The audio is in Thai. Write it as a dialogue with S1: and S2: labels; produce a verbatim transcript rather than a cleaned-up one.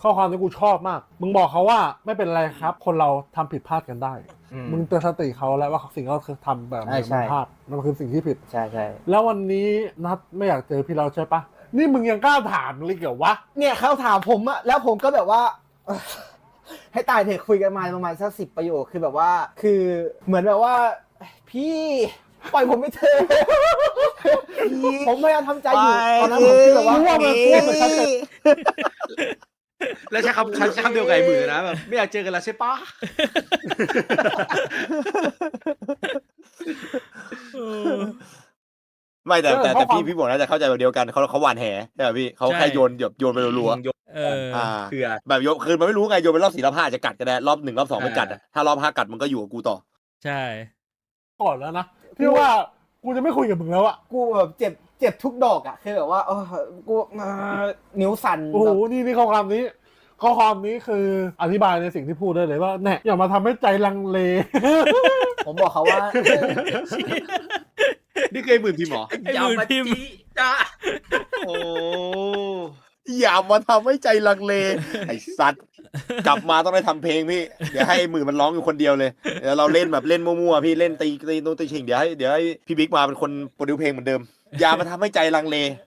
S1: ข้อความที่กูชอบมากมึงบอกเขาว่าไม่เป็นไรครับคนเราทำผิดพลาดกันได้มึงเตือนสติเขาแล้วว่าสิ่งที่เขาทำแบบนี้มันพลาดมันคือสิ่งที่ผิด
S2: ใช่ใช่
S1: แล้ววันนี้นัดไม่อยากเจอพี่เราใช่ปะนี่มึงยังกล้าถามเลยเหรอวะ
S2: เนี่ยเขาถามผมอะแล้วผมก็แบบว่าให้ตายเถอะคุยกันมาประมาณสักสิบประโยคคือแบบว่าคือเหมือนแบบว่าพี่ปล่อยผมไม่เถอะผมพยายามทำใจอยู่ตอนนั้นผมคิดแบบว่าว่ามันพูดเหมือนฉันจะ
S3: แล้วใช้คำใช้คำเดียวกับไอ้มือนะแบบไม่อยากเจอกันแล้วใช่ปะ
S4: ไม่แต่แต่แต่พี่พี่บอกน่าจะเข้าใจแบบเดียวกันเขาเขาหวานแหใช่ไหมพี่เขาแค่โยนโยนโยนไปรัวๆ
S3: เออเถื่อ
S4: แบบโยนคือมันไม่รู้ไงโยนไปรอบสี่รอบห้าจะกัดก็ได้รอบหนึ่งรอบสองไม่กัดถ้ารอบห้ากัดมันก็อยู่กับกูต่อ
S5: ใช่
S1: ก่อนแล้วนะพี่ว่ากูจะไม่คุยกับมึงแล้วอะ
S2: กูแบบเจ็บเจ็บทุกดอกอะคือแบบว่าเออกูนิ้วสั่น
S1: โอ้โหนี่นี่ข้อความนี้ข้อความนี้คืออธิบายในสิ่งที่พูดได้เลยว่าเนี่ยอย่ามาทำให้ใจลังเล
S2: ผมบอกเขาว่า
S3: นี่เคยหมื่นพิมพ์หรอ
S5: อย่ามาจี้
S3: จ้าโอ้
S4: อย่ามาทำให้ใจลังเลไอ้สัตว์กลับมาต้องได้ทำเพลงพี่เดี๋ยวให้มือมันร้องอยู่คนเดียวเลยเดี๋ยวเราเล่นแบบเล่นมั่วๆพี่เล่นตีตีโน้ตตีชิงเดี๋ยวให้เดี๋ยวให้พี่บิ๊กมาเป็นคนโปรดิวเพลงเหมือนเดิมอย่ามาทำให้ใจลังเล